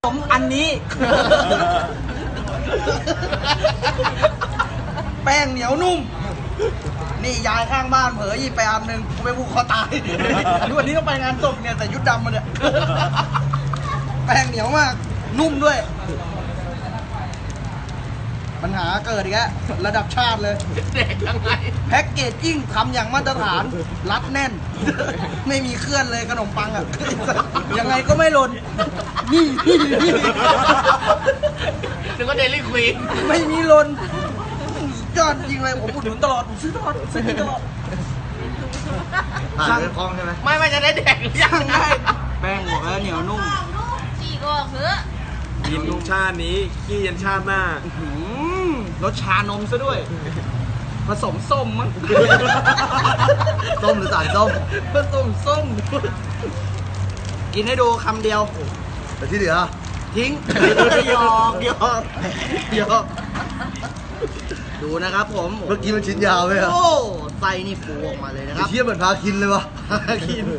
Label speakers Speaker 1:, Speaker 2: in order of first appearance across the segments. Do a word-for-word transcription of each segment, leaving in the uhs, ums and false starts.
Speaker 1: ผมอันนี้ แป้งเหนียวนุ่มนี่ยายข้างบ้านเผลอหยิบไปอันหนึ่งกูไปผูกคอตายดูวันนี้ต้องไปงานศพเนี่ยแต่ยุดดำมาเนี่ยแป้งเหนียวมากนุ่มด้วยปัญหาเกิดอีกแล้วระดับชาติเลยเด็กยังไงแพ็กเกจจิ้งทำอย่างมาตรฐานรัดแน่นไม่มีเคลื่อนเลยขนมปังอ่ะยังไงก็ไม่หล่นนี่นี่นี่
Speaker 2: นึกว่าเดลี่ควีน
Speaker 1: ไม่มีหล่นยอดจริงเลยผมอุดหนุนตลอดผมซื้อตลอดซื้อตลอด
Speaker 3: ผ่านเรื่องคล้องใช่ไหม
Speaker 2: ไม่ไม่จะได้แดกหรือยังไง
Speaker 1: แป้งหัวเหนียวนุ่ม
Speaker 4: จีก็เหือ
Speaker 3: กินชาตินี้ขี้ยันชาติหน้าร
Speaker 1: สชานมซะด้วยผสมส้มมั้ง
Speaker 3: ส้มหรือสารส้ม
Speaker 1: ผสมส้มกินให้ดูคำเดียว
Speaker 3: แต่ที่เหลือ
Speaker 1: ทิ้งหยอกหยอกหยอกดูนะครับผม
Speaker 3: เมื่อกี้มันชิ้นยาวไหมครับ
Speaker 1: โอ้ไส้นี่ฟูออกมาเลยนะครับ
Speaker 3: เทียบเหมือนพาคินเลยวะ
Speaker 1: พาคิน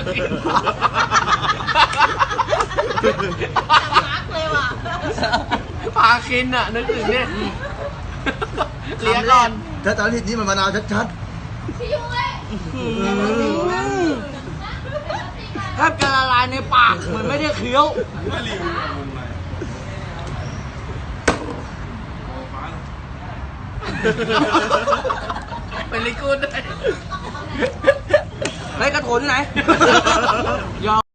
Speaker 4: มาร์กเลยว่ะ
Speaker 2: พาคินอ่ะนึกถึงเนี่ย
Speaker 1: เลี้ยงก่อน
Speaker 3: ถ้าตอนที่นี่มันมะนาวชัด
Speaker 4: ชิวเลย
Speaker 1: แทบจะละลายในปากเหมือนไม่ได้เคี้ยว
Speaker 2: เป็นลิกูดได้
Speaker 1: ไอ้กระโถนที่ไหน